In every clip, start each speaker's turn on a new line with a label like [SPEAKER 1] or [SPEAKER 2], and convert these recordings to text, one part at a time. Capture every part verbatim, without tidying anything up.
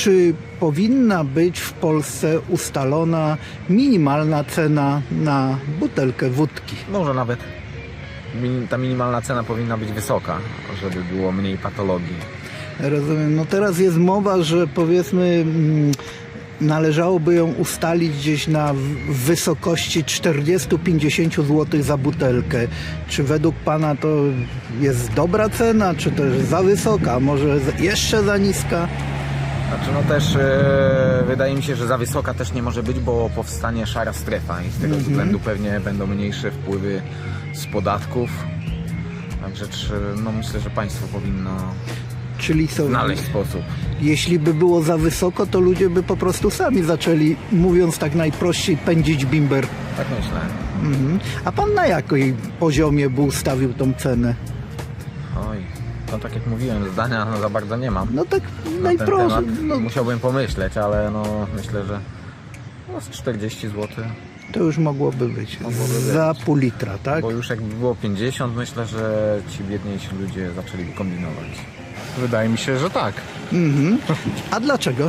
[SPEAKER 1] czy powinna być w Polsce ustalona minimalna cena na butelkę wódki?
[SPEAKER 2] Może nawet min- ta minimalna cena powinna być wysoka, żeby było mniej patologii.
[SPEAKER 1] Rozumiem. No teraz jest mowa, że powiedzmy mm, należałoby ją ustalić gdzieś na w- wysokości czterdzieści do pięćdziesięciu złotych za butelkę. Czy według Pana to jest dobra cena, czy też za wysoka, może z- jeszcze za niska?
[SPEAKER 2] Znaczy no też e, wydaje mi się, że za wysoka też nie może być, bo powstanie szara strefa i z tego względu pewnie będą mniejsze wpływy z podatków. Także czy, no myślę, że państwo powinno
[SPEAKER 1] Czyli co?
[SPEAKER 2] znaleźć sposób.
[SPEAKER 1] Jeśli by było za wysoko, to ludzie by po prostu sami zaczęli, mówiąc tak najprościej, pędzić bimber.
[SPEAKER 2] Tak myślę.
[SPEAKER 1] Mhm. A Pan na jakim poziomie by ustawił tą cenę?
[SPEAKER 2] Oj, no tak jak mówiłem, zdania no, za bardzo nie mam.
[SPEAKER 1] No tak
[SPEAKER 2] Na ten
[SPEAKER 1] najprościej.
[SPEAKER 2] temat
[SPEAKER 1] No,
[SPEAKER 2] musiałbym pomyśleć, ale no myślę, że no, z czterdzieści złotych.
[SPEAKER 1] to już mogłoby być.
[SPEAKER 2] Mogłoby być.
[SPEAKER 1] Za pół litra, tak?
[SPEAKER 2] Bo już jakby było pięćdziesiąt, myślę, że ci biedniejsi ludzie zaczęli kombinować.
[SPEAKER 3] Wydaje mi się, że tak.
[SPEAKER 1] Mhm. A dlaczego?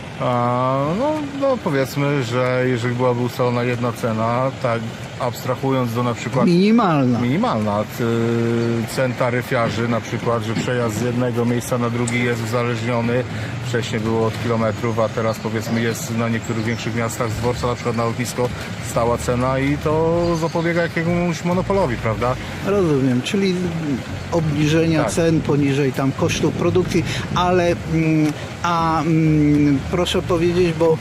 [SPEAKER 3] A, no, no powiedzmy, że jeżeli byłaby ustalona jedna cena, tak abstrahując do na przykład
[SPEAKER 1] Minimalna.
[SPEAKER 3] minimalna t- cen taryfiarzy, na przykład, że przejazd z jednego miejsca na drugi jest uzależniony, wcześniej było od kilometrów, a teraz powiedzmy jest na niektórych większych miastach z dworca, na przykład na lotnisko, stała cena i to zapobiega jakiemuś monopolowi, prawda?
[SPEAKER 1] Rozumiem, czyli obniżenia
[SPEAKER 3] Tak.
[SPEAKER 1] cen poniżej tam kosztów produkcji, ale mm, a mm, proszę powiedzieć, bo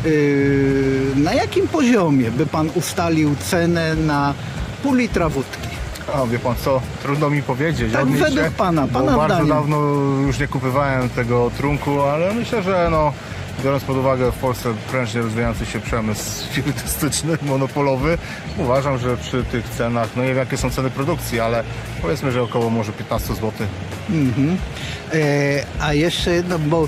[SPEAKER 1] yy, na jakim poziomie by Pan ustalił cenę na pół litra wódki?
[SPEAKER 3] A wie pan co, trudno mi powiedzieć.
[SPEAKER 1] Tak
[SPEAKER 3] Odnieść
[SPEAKER 1] według
[SPEAKER 3] się,
[SPEAKER 1] pana,
[SPEAKER 3] bo
[SPEAKER 1] pana
[SPEAKER 3] bardzo
[SPEAKER 1] zdaniem.
[SPEAKER 3] dawno już nie kupowałem tego trunku, ale myślę, że no, biorąc pod uwagę w Polsce prężnie rozwijający się przemysł spirytystyczny, monopolowy, uważam, że przy tych cenach, no nie wiem jakie są ceny produkcji, ale powiedzmy, że około może piętnaście złotych.
[SPEAKER 1] Mhm. E, a jeszcze jedno, bo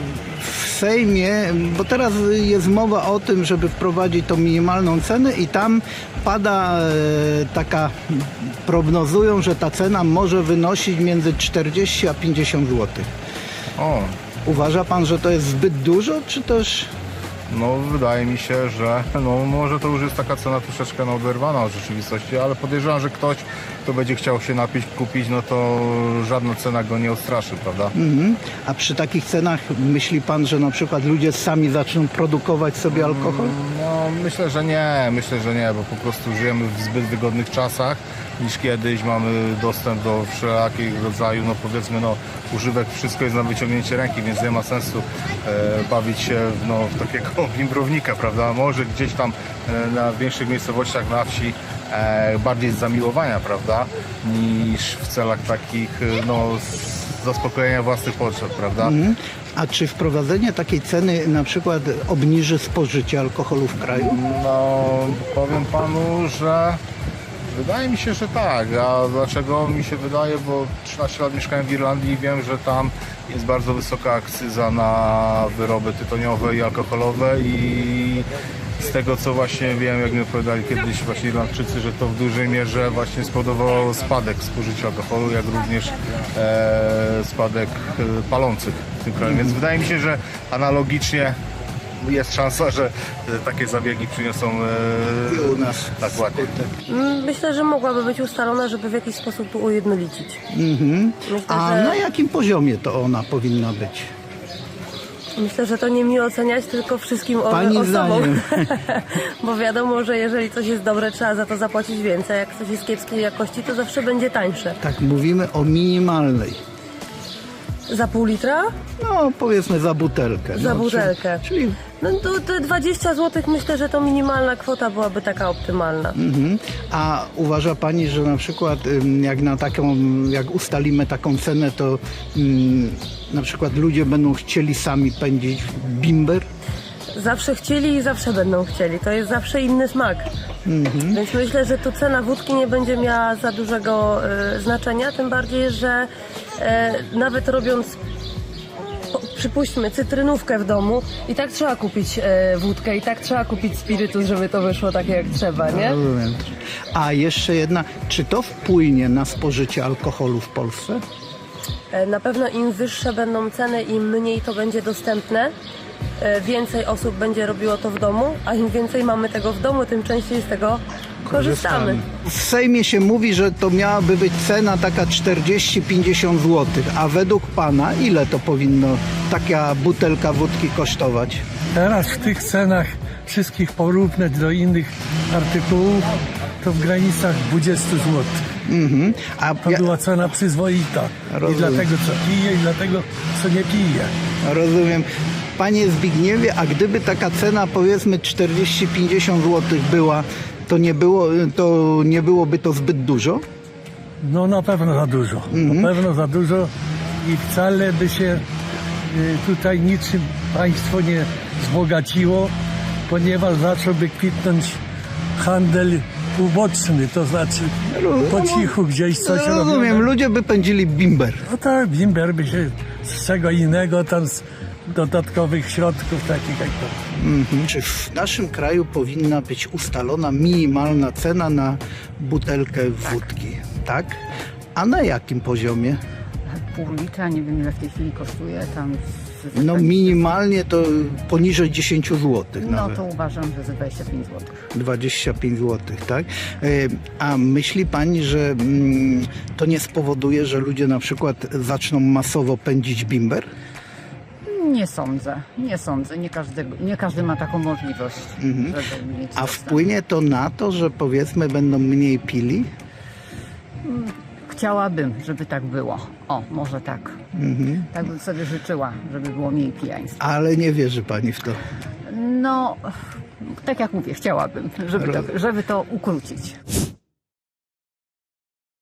[SPEAKER 1] w Sejmie, bo teraz jest mowa o tym, żeby wprowadzić tą minimalną cenę i tam pada e, taka, prognozują, że ta cena może wynosić między czterdzieści a pięćdziesiąt złotych.
[SPEAKER 3] O,
[SPEAKER 1] Uważa Pan, że to jest zbyt dużo, czy też...
[SPEAKER 3] no wydaje mi się, że no może to już jest taka cena troszeczkę no, oderwana od rzeczywistości, ale podejrzewam, że ktoś, kto będzie chciał się napić, kupić, no to żadna cena go nie odstraszy, prawda?
[SPEAKER 1] Mhm. A przy takich cenach myśli Pan, że na przykład ludzie sami zaczną produkować sobie alkohol?
[SPEAKER 3] No myślę, że nie, myślę, że nie, bo po prostu żyjemy w zbyt wygodnych czasach niż kiedyś, mamy dostęp do wszelakich rodzaju, no powiedzmy, no używek, wszystko jest na wyciągnięcie ręki, więc nie ma sensu e, bawić się no, w takiego bimbrownika, prawda? Może gdzieś tam e, na większych miejscowościach na wsi e, bardziej z zamiłowania, prawda? Niż w celach takich, e, no, z zaspokojenia własnych potrzeb, prawda?
[SPEAKER 1] Mhm. A czy wprowadzenie takiej ceny na przykład obniży spożycie alkoholu w kraju?
[SPEAKER 3] No, powiem panu, że wydaje mi się, że tak. A dlaczego mi się wydaje? Bo trzynaście lat mieszkałem w Irlandii i wiem, że tam jest bardzo wysoka akcyza na wyroby tytoniowe i alkoholowe i z tego co właśnie wiem, jak mi opowiadali kiedyś właśnie Irlandczycy, że to w dużej mierze właśnie spowodowało spadek spożycia alkoholu, jak również e, spadek e, palących w tym kraju. Więc wydaje mi się, że analogicznie jest szansa, że e, takie zabiegi przyniosą e,
[SPEAKER 1] I u nas.
[SPEAKER 3] tak ładnie.
[SPEAKER 4] Myślę, że mogłaby być ustalona, żeby w jakiś sposób to ujednolicić.
[SPEAKER 1] Mhm.
[SPEAKER 4] Myślę,
[SPEAKER 1] A
[SPEAKER 4] że...
[SPEAKER 1] na jakim poziomie to ona powinna być?
[SPEAKER 4] Myślę, że to nie mi oceniać, tylko wszystkim o-
[SPEAKER 1] Pani
[SPEAKER 4] osobom.
[SPEAKER 1] zdaniem.
[SPEAKER 4] Bo wiadomo, że jeżeli coś jest dobre, trzeba za to zapłacić więcej. Jak coś jest kiepskiej jakości, to zawsze będzie tańsze.
[SPEAKER 1] Tak, mówimy o minimalnej.
[SPEAKER 4] Za pół litra?
[SPEAKER 1] No, powiedzmy za butelkę.
[SPEAKER 4] Za
[SPEAKER 1] no,
[SPEAKER 4] butelkę.
[SPEAKER 1] Czyli, czyli
[SPEAKER 4] No to te dwadzieścia złotych myślę, że to minimalna kwota byłaby taka optymalna.
[SPEAKER 1] mhm. A uważa Pani, że na przykład ym, jak na taką, jak ustalimy taką cenę, to ym, na przykład ludzie będą chcieli sami pędzić bimber?
[SPEAKER 4] Zawsze chcieli i zawsze będą chcieli. To jest zawsze inny smak.
[SPEAKER 1] Mhm.
[SPEAKER 4] Więc myślę, że tu cena wódki nie będzie miała za dużego e, znaczenia, tym bardziej, że e, nawet robiąc, po, przypuśćmy, cytrynówkę w domu, i tak trzeba kupić e, wódkę, i tak trzeba kupić spirytus, żeby to wyszło takie jak trzeba, nie?
[SPEAKER 1] Rozumiem. A jeszcze jedna, czy to wpłynie na spożycie alkoholu w Polsce?
[SPEAKER 4] E, Na pewno im wyższe będą ceny, im mniej to będzie dostępne, e, więcej osób będzie robiło to w domu, a im więcej mamy tego w domu, tym częściej z tego korzystamy.
[SPEAKER 1] W Sejmie się mówi, że to miałaby być cena taka czterdzieści pięćdziesiąt złotych, a według pana ile to powinno taka butelka wódki kosztować?
[SPEAKER 5] Teraz w tych cenach wszystkich porównać do innych artykułów to w granicach dwadzieścia złotych.
[SPEAKER 1] Mhm. A
[SPEAKER 5] To
[SPEAKER 1] ja,
[SPEAKER 5] była cena przyzwoita.
[SPEAKER 1] Rozumiem.
[SPEAKER 5] I dlatego co pije, i dlatego co nie pije.
[SPEAKER 1] rozumiem. Panie Zbigniewie, a gdyby taka cena powiedzmy czterdzieści pięćdziesiąt złotych była, to nie, było, to nie byłoby to zbyt dużo?
[SPEAKER 5] No na pewno za dużo. Na pewno za dużo i wcale by się y, tutaj niczym państwo nie wzbogaciło, ponieważ zacząłby kwitnąć handel uboczny, to znaczy po cichu gdzieś coś
[SPEAKER 1] Rozumiem,
[SPEAKER 5] robione.
[SPEAKER 1] ludzie by pędzili bimber.
[SPEAKER 5] No tak, bimber by się z czego innego tam z dodatkowych środków takich jak to.
[SPEAKER 1] Mhm. Czy w naszym kraju powinna być ustalona minimalna cena na butelkę wódki? Tak? A na jakim poziomie?
[SPEAKER 6] Pół litra, nie wiem ile w tej chwili kosztuje, tam z, z,
[SPEAKER 1] No minimalnie to poniżej dziesięć złotych
[SPEAKER 6] no
[SPEAKER 1] nawet.
[SPEAKER 6] to uważam, że za dwadzieścia pięć złotych.
[SPEAKER 1] dwadzieścia pięć złotych, tak? E, A myśli pani, że mm, to nie spowoduje, że ludzie na przykład zaczną masowo pędzić bimber?
[SPEAKER 6] Nie sądzę, nie sądzę, nie każdy, nie każdy ma taką możliwość, żeby mieć
[SPEAKER 1] A
[SPEAKER 6] dostęp.
[SPEAKER 1] wpłynie to na to, że powiedzmy będą mniej pili?
[SPEAKER 6] Chciałabym, żeby tak było. O, może tak.
[SPEAKER 1] Mhm.
[SPEAKER 6] Tak bym sobie życzyła, żeby było mniej pijaństwa.
[SPEAKER 1] Ale nie wierzy pani w to.
[SPEAKER 6] No, tak jak mówię, chciałabym, żeby to, żeby to ukrócić.